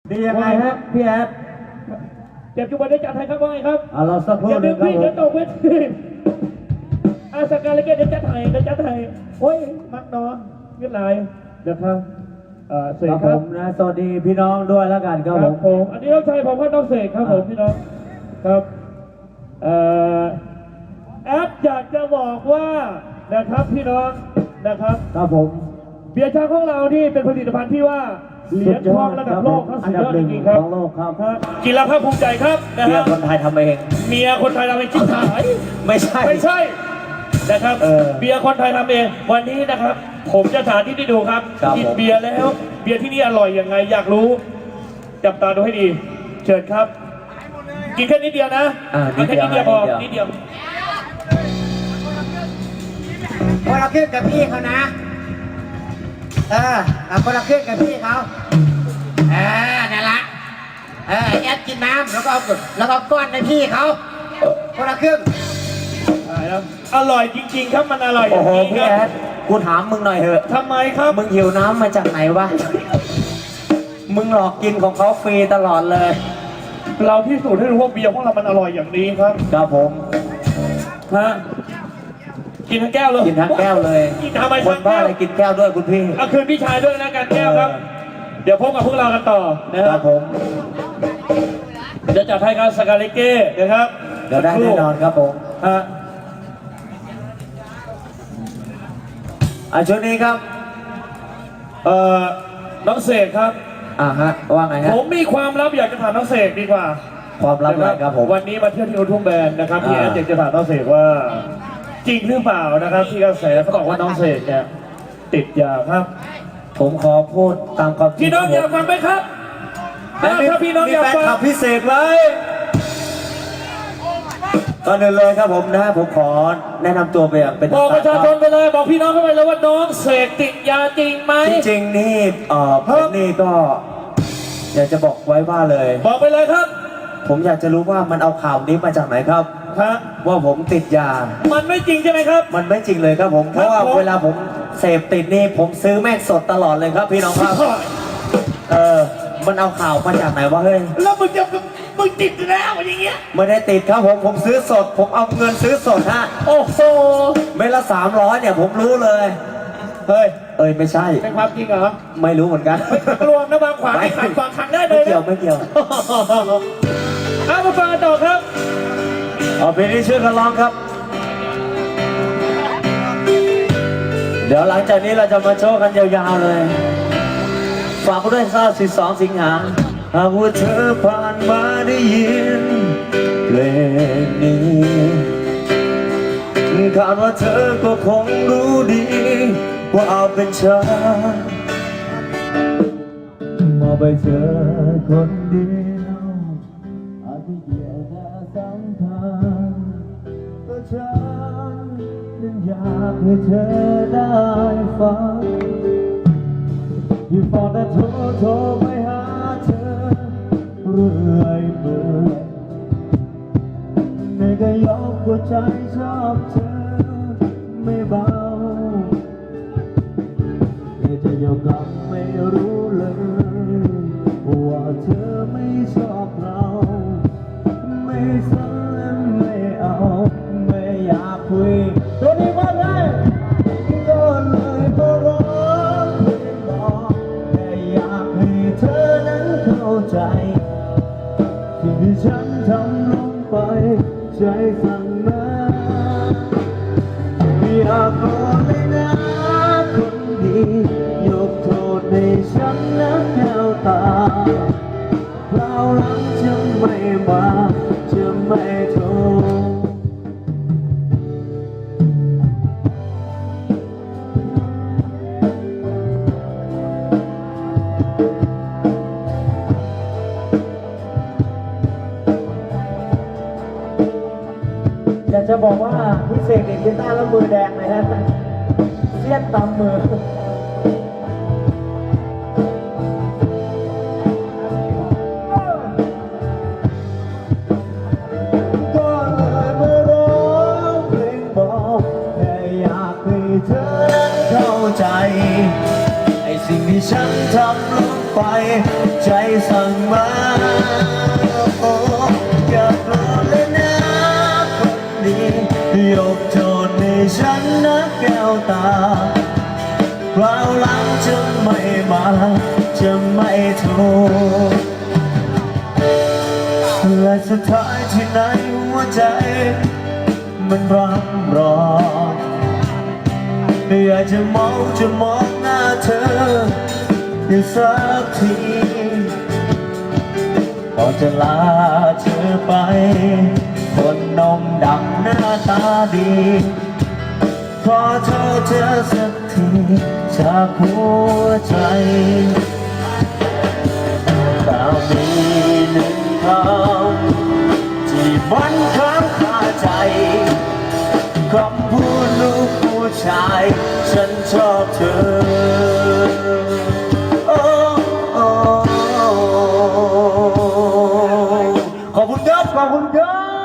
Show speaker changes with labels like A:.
A: ดียังไงฮะพี่แอด
B: เจ็บจุบันได้จัดให้ครับว่าไงครับ
A: เราสักครู่นึงครับผม
B: เดี๋ยวตกเวทีสกาเลเกตเดี๋ยวจัดให้โอ้ยมักเนาะเงียบไรเดี๋ยวครับเสกครับ
A: ผมนะสวัสดีพี่น้องด้วยแล้วกันครับ
B: ผมอันนี้น้องชายผมก็น้องเสกครับผมพี่น้องครับแอดอยากจะบอกว่านะครับพี่น้องนะครับ
A: ครับผม
B: เบียร์ช้างของเรานี่เป็นผลิตภัณฑ์ที่ว่าเหรียญทองระดับโลกครับสุดยอดจริงๆครับ
A: ของโลกครับ
B: กินแล้วภาคภูมิใจครับนะฮะ
A: เมียคนไทยทำเอง
B: เมียคนไทยทำเองชิ้นขาย
A: ไม่ใช่
B: นะครับเบียร์คนไทยทำเองวันนี้นะครับผมจะสาธิตให้ดูครับกินเบียร์แล้วเบียร์ที่นี่อร่อยยังไงอยากรู้จับตาดูให้ดีเชิญครับกินแค่นิดเดียวนะ
A: กินแค่นิดเดียว
B: พอนิดเดียว
C: พอเราขึ้นกับพี่เขานะพอเราขึ้นกับพี่เขานั่นละแอดกินน้ำแล้วก็ก้อนในพี่เขาพอเราขึ้น
B: อร่อยจริงๆครับมันอร่อยอย่างนี้
A: พี่แอดกูถามมึงหน่อยเถอะ
B: ทำไมครับ
A: มึงหิวน้ำมาจากไหนวะมึงหลอกกินของเขาฟรีตลอดเลย
B: เราพิสูจน์ให้รู้ว่าเบียร์ของเรามันอร่อยอย่างนี้ครับ
A: ครับผม
B: กินทั้งแก้วเลย
A: กินทั้งแก้วเลย
B: กินทำไม
A: คนบ้าอะไรกินแก้วด้วยคุณพี่
B: เอาคืนพี่ชายด้วยนะกันแก้วครับเดี๋ยวพบกับพวกเรากันต่อ
A: นะครับผม
B: จะจัดให้การสกาเลเก้นะครับ
A: เดี๋ยวได้แน่นอนครับผมช่วงนี้ครับ
B: น้องเสกครับ
A: ว่าไงครับ
B: ผมมีความลับอยากจะถามน้องเสกดีกว่า
A: ความลับอะไรครับผม
B: วันนี้มาเที่ยวที่อุทุ่งแบนนะครับพี่แอนจะถามน้องเสกว่าจริงหรือเปล่านะครับที่กระแสเขาบอกว่าน้องเสกเนี่ยติดยาครับ
A: ผมขอพูดตามความจริง
B: พี่น้องอยากฟังไหมครับถ้าพี่น้องอยากฟัง
A: พิเศษไว้ก่อนอื่นเลยครับผมนะผมขอแนะนำตัวไปอย่างเป็น
B: บอกประชาชนไปเลยบอกพี่น้องเข้าไปเลยว่าน้องเสกติดยาจริงไหม
A: จริงนี่ผมนี่ก็อยากจะบอกไว้ว่าเลย
B: บอกไปเลยครับ
A: ผมอยากจะรู้ว่ามันเอาข่าวนี้มาจากไหนครับว่าผมติดยา
B: มันไม่จริงใช่ไหมครับ
A: มันไม่จริงเลยครับผมเพราะว่าเวลาผมเสพติดนี่ผมซื้อแม่งสดตลอดเลยครับพี่น้องครับมันเอาข่าวมาจากไหนวะเฮ้ย
B: แล้วมึงติดแล้วอย่างเงี้ย
A: ไม่ได้ติดครับผมซื้อสดผมเอาเงินซื้อสดฮะ
B: โอ้โห
A: เม็ดละ300เนี่ยผมรู้เลย
B: เฮ้ย
A: ไม่ใช่
B: เป็นความจริงเหรอ
A: ไม่รู้เหมือนกัน
B: กลัวนะบางขวางที่ขัดขวางขังได้เลย
A: ไม่เกี่ยว
B: มาฟังต่อครับ
A: เพลงนี้ช่วยกันร้องครับเดี๋ยวหลังจากนี้เราจะมาโชว์กันยาวๆเลยฝากด้วย12 สิงหาหากว่าเธอผ่านมาได้ยินเพลงนี้คาดว่าเธอก็คงรู้ดีว่าเอาเป็นฉันมาไปเจอคนเดียวอาจจะเกี่ยวแต่สัมพันธ์ก็ฉันยังอยากให้เธอได้ฟังอยู่ฟอนแต่โทรไปหาเธอเรื่อยเปื่อยไม่ก็ยกหัวใจชอบเธอไม่เบาจะยอมรับไม่รู้เลยว่าเธอไม่ชอบเราไม่สนและไม่เอาไม่อยากคุยตัวนี้ว่าไงก็เลยมาร้องเพลงบอกแค่อยากให้เธอนั้นเข้าใจสิ่งที่ฉันทำลงไปใจสั่งมาอยากบอกเลยนะคนดียกโทษให้ฉันและแก้วตาคราวหลังจะไม่มาจะไม่โทรอยากจะบอกว่าพี่เสกเด็กกีตาร์แล้วมือแดงเลยฮะเสี้ยนตำมือก็เลยมาร้องเพลงบอกแค่อยากให้เธอนั้นเข้าใจไอ้สิ่งที่ฉันทำลงไปใจสั่งมาโอ้อย่าโกรธเลยนะคนดียกโทษให้ฉันนะแก้วตาคราวหลังจะไม่มาจะไม่โทษและสุดท้ายที่ไหนหัวใจมันร่ำร้อนอยากจะมองหน้าเธออยู่สักทีพอจะลาเธอไปคนนมดังหน้าตาดีขอโทษเธอสักทีจากหัวใจแต่มีหนึ่งคำที่มันค้างคาใจคำพูดลูกผู้ชายฉันชอบเธอโอ้โอ้ขอบคุณครับขอบคุณครับ